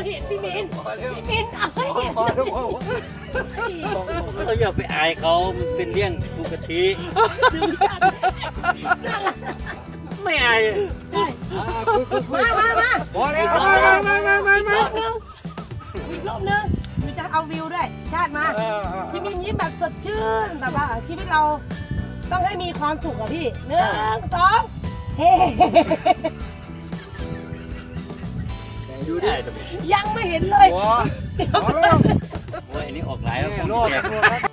เห็นพี่มินเอาให้เห็นเราอย่าไปอายเขามันเป็นเรื่องปกติไม่อายมาพอแล้วอีกรอบนึงมีจะเอาวิวด้วยชาติมาพี่มินยิ้มแบบสดชื่นแบบว่าชีวิตเราต้องให้มีความสุขอะพี่1 2เฮ้ดูได้ยังไม่เห็นเลยพอแล้วโอ้ยอันนี้ออกหลายแล้วโลด